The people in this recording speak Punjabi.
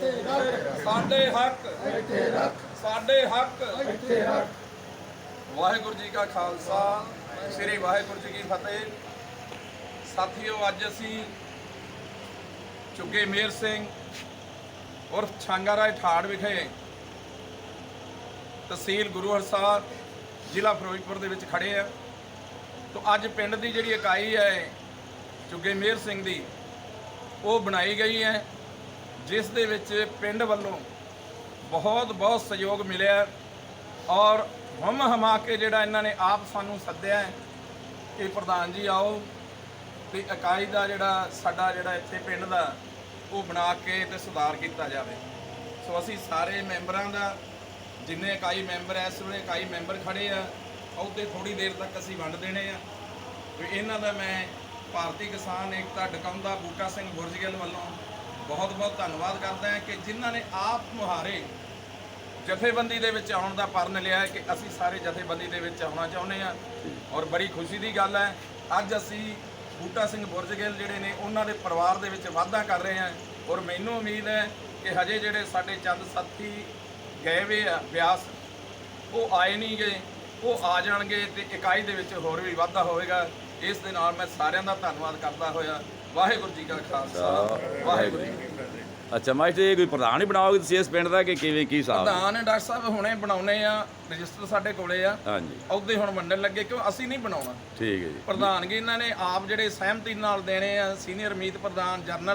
ਸਾਡੇ ਹੱਕ ਸਾਡੇ ਹੱਕ। ਵਾਹਿਗੁਰੂ ਜੀ ਕਾ ਖਾਲਸਾ, ਸ੍ਰੀ ਵਾਹਿਗੁਰੂ ਜੀ ਕੀ ਫਤਿਹ। ਸਾਥੀਓ, ਅੱਜ ਅਸੀਂ ਝੁੱਗੇ ਮੇਹਰ ਸਿੰਘ ਉਰਫ ਛਾਂਗਾ ਰਾਏ ਠਾੜ ਵਿਖੇ ਤਹਿਸੀਲ ਗੁਰੂ ਹਰਸਾਰ ਜ਼ਿਲ੍ਹਾ ਫਿਰੋਜ਼ਪੁਰ ਦੇ ਵਿੱਚ ਖੜੇ ਆ। ਤੋ ਅੱਜ ਪਿੰਡ ਦੀ ਜਿਹੜੀ ਇਕਾਈ ਹੈ ਝੁੱਗੇ ਮੇਹਰ ਸਿੰਘ ਦੀ, ਉਹ ਬਣਾਈ ਗਈ ਹੈ, ਜਿਸ ਦੇ ਵਿੱਚ ਪਿੰਡ ਵੱਲੋਂ ਬਹੁਤ ਸਹਿਯੋਗ ਮਿਲਿਆ ਔਰ ਹਮਾ ਕੇ ਜਿਹੜਾ ਇਹਨਾਂ ਨੇ ਆਪ ਸਾਨੂੰ ਸੱਦਿਆ ਹੈ ਕਿ ਪ੍ਰਧਾਨ ਜੀ ਆਓ ਤੇ ਇਕਾਈ ਦਾ ਜਿਹੜਾ ਸਾਡਾ ਜਿਹੜਾ ਇੱਥੇ ਪਿੰਡ ਦਾ ਉਹ ਬਣਾ ਕੇ ਤੇ ਸੁਧਾਰ ਕੀਤਾ ਜਾਵੇ। ਸੋ ਅਸੀਂ ਸਾਰੇ ਮੈਂਬਰਾਂ ਦਾ, ਜਿੰਨੇ ਇਕਾਈ ਮੈਂਬਰ ਇਸ ਵੇਲੇ ਇਕਾਈ ਮੈਂਬਰ ਖੜੇ ਆ, ਉਹਦੇ ਥੋੜੀ ਦੇਰ ਤੱਕ ਅਸੀਂ ਵੰਡ ਦੇਣੇ ਆ। ਤੇ ਇਹਨਾਂ ਦਾ ਮੈਂ ਭਾਰਤੀ ਕਿਸਾਨ ਏਕਤਾ ਡਕੌਂਦਾ ਬੂਟਾ ਸਿੰਘ ਬੁਰਜਗਿੱਲ ਵੱਲੋਂ ਬਹੁਤ ਧੰਨਵਾਦ ਕਰਦਾ ਹਾਂ ਕਿ ਜਿਨ੍ਹਾਂ ਨੇ ਆਪ ਮੁਹਾਰੇ ਜਥੇਬੰਦੀ ਦੇ ਵਿੱਚ ਆਉਣ ਦਾ ਪਰਨ ਲਿਆ ਕਿ ਅਸੀਂ ਸਾਰੇ ਜਥੇਬੰਦੀ ਦੇ ਵਿੱਚ ਆਉਣਾ ਚਾਹੁੰਦੇ ਹਾਂ। ਔਰ ਬੜੀ ਖੁਸ਼ੀ ਦੀ ਗੱਲ ਹੈ, ਅੱਜ ਅਸੀਂ ਬੂਟਾ ਸਿੰਘ ਬੁਰਜਗਿੱਲ ਜਿਹੜੇ ਨੇ ਉਹਨਾਂ ਦੇ ਪਰਿਵਾਰ ਦੇ ਵਿੱਚ ਵਾਧਾ ਕਰ ਰਹੇ ਹਾਂ। ਔਰ ਮੈਨੂੰ ਉਮੀਦ ਹੈ ਕਿ ਹਜੇ ਜਿਹੜੇ ਸਾਡੇ ਚੰਦ ਸਾਥੀ ਗਏ ਵੇ ਆ ਬਿਆਸ, ਉਹ ਆਏ ਨਹੀਂ ਗਏ, ਉਹ ਆ ਜਾਣਗੇ ਤੇ ਇਕਾਈ ਦੇ ਵਿੱਚ ਹੋਰ ਵੀ ਵਾਧਾ ਹੋਵੇਗਾ। ਇਸ ਦੇ ਨਾਲ ਮੈਂ ਸਾਰਿਆਂ ਦਾ ਧੰਨਵਾਦ ਕਰਦਾ ਹੋਇਆ ਵਾਹਿਗੁਰੂ ਜੀ ਕਾ ਖਾਲਸਾ, ਵਾਹਿਗੁਰੂ ਜੀ ਕੀ ਫਤਿਹ। ਅੱਛਾ ਮਾਸਟਰ, ਇਹ ਕੋਈ ਪ੍ਰਧਾਨ ਹੀ ਬਣਾਓਗੇ ਤੁਸੀਂ ਇਸ ਪਿੰਡ ਦਾ ਕਿ ਕਿਵੇਂ ਕੀ ਹਿਸਾਬ? ਪ੍ਰਧਾਨ ਡਾਕਟਰ ਸਾਹਿਬ ਹੁਣੇ ਬਣਾਉਣੇ ਆ, ਰਜਿਸਟਰ ਸਾਡੇ ਕੋਲੇ ਆ। ਹਾਂਜੀ, ਉਹਦੇ ਹੁਣ ਵੰਡਣ ਲੱਗੇ, ਕਿਉਂ ਅਸੀਂ ਨਹੀਂ ਬਣਾਉਣਾ। ਠੀਕ ਹੈ ਜੀ। ਪ੍ਰਧਾਨਗੀ ਇਹਨਾਂ ਨੇ ਆਪ ਜਿਹੜੇ ਸਹਿਮਤੀ ਨਾਲ ਦੇਣੇ ਆ। ਸੀਨੀਅਰ ਮੀਤ ਪ੍ਰਧਾਨ, ਜਨਰਲ